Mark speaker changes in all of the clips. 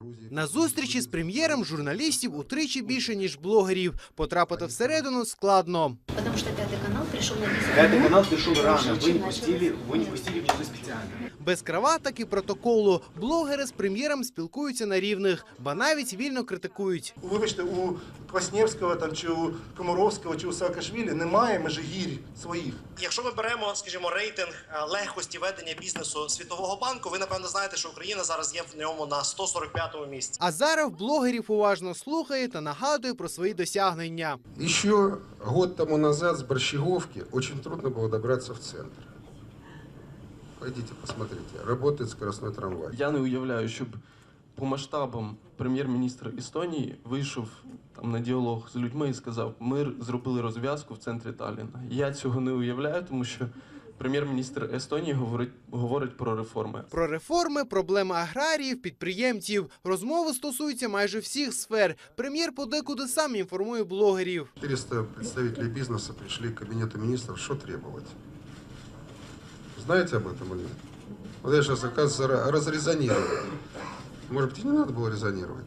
Speaker 1: На зустрічі з прем'єром журналістів утричі більше, ніж блогерів. Потрапити всередину складно.
Speaker 2: Потому что Пятый канал пришел на 10
Speaker 3: Пятый канал пришел рано, вы не пустили в часы специально.
Speaker 1: Без краваток і протоколу. Блогери з прем'єром спілкуються на рівних, ба навіть вільно критикують.
Speaker 4: Вибачте, у Кваснєвського там, чи у Комаровського, чи у Саакашвілі немає межигір'їв своїх.
Speaker 5: Якщо ми беремо, скажімо, рейтинг легкості ведення бізнесу Світового банку, ви, напевно, знаєте, що Україна зараз є в ньому на 145-му місці.
Speaker 1: Азаров блогерів уважно слухає та нагадує про свої досягнення.
Speaker 6: Еще год тому назад с Борщеговки очень трудно было добраться в центр. Пойдите, посмотрите. Работает скоростной трамвай.
Speaker 7: Я не уявляю, щоб по масштабам прем'єр-міністр Естонії вийшов там на діалог з людьми і сказав: ми зробили розв'язку в центрі Талліна. Я цього не уявляю, тому що прем'єр-міністр Естонії говорить про реформи.
Speaker 1: Про реформи, проблеми аграріїв, підприємців. Розмови стосуються майже всіх сфер. Прем'єр подекуди сам інформує блогерів.
Speaker 6: 400 представителей бизнеса пришли к кабинету министров. Что требовать? Знаете об этом или нет? Вот я сейчас, оказывается, разрезонировал. Может быть, и не надо было резонировать?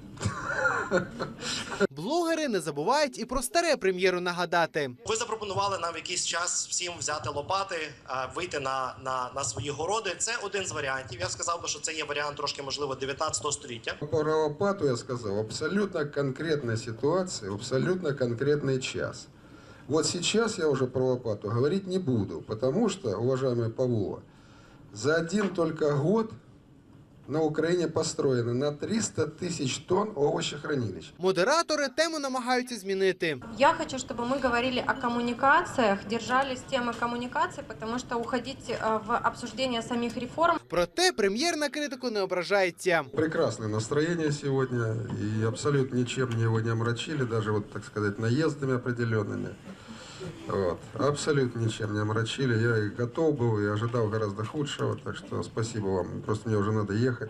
Speaker 1: Блогери не забувають і про старе прем'єру нагадати.
Speaker 5: Ви запропонували нам в якийсь час всім взяти лопати, вийти на свої городи. Це один з варіантів. Я сказав би, що це є варіант трошки, можливо, 19 століття.
Speaker 6: Про лопату я сказал. Абсолютно конкретная ситуация, абсолютно конкретный час. Вот сейчас я уже про лопату говорить не буду, потому что, уважаемый Павлова, за один только год на Украине построено на 300 тысяч тонн овощехранилищ.
Speaker 1: Модератори тему намагаються змінити.
Speaker 8: Я хочу, чтобы мы говорили о коммуникациях, держались темы коммуникаций, потому что уходить в обсуждение самих реформ.
Speaker 1: Проте прем'єр на критику не ображається.
Speaker 6: Прекрасное настроение сегодня, и абсолютно ничем его не омрачили, даже, вот, так сказать, наездами определенными. Вот. Абсолютно ничем не омрачили. Я и готов был, и ожидал гораздо худшего, так что спасибо вам. Просто мне уже надо ехать.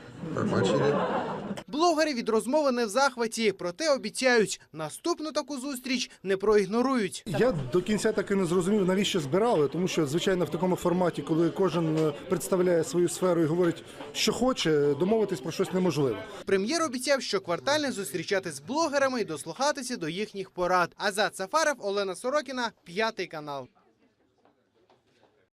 Speaker 1: Блогери від розмови не в захваті, проте обіцяють, наступну таку зустріч не проігнорують.
Speaker 9: Я до кінця так і не зрозумів, навіщо збирали, тому що, звичайно, в такому форматі, коли кожен представляє свою сферу і говорить, що хоче, домовитись про щось неможливо.
Speaker 1: Прем'єр обіцяв, що квартально зустрічатись з блогерами і дослухатися до їхніх порад. Азат Сафаров, Олена Сорокіна, П'ятий канал.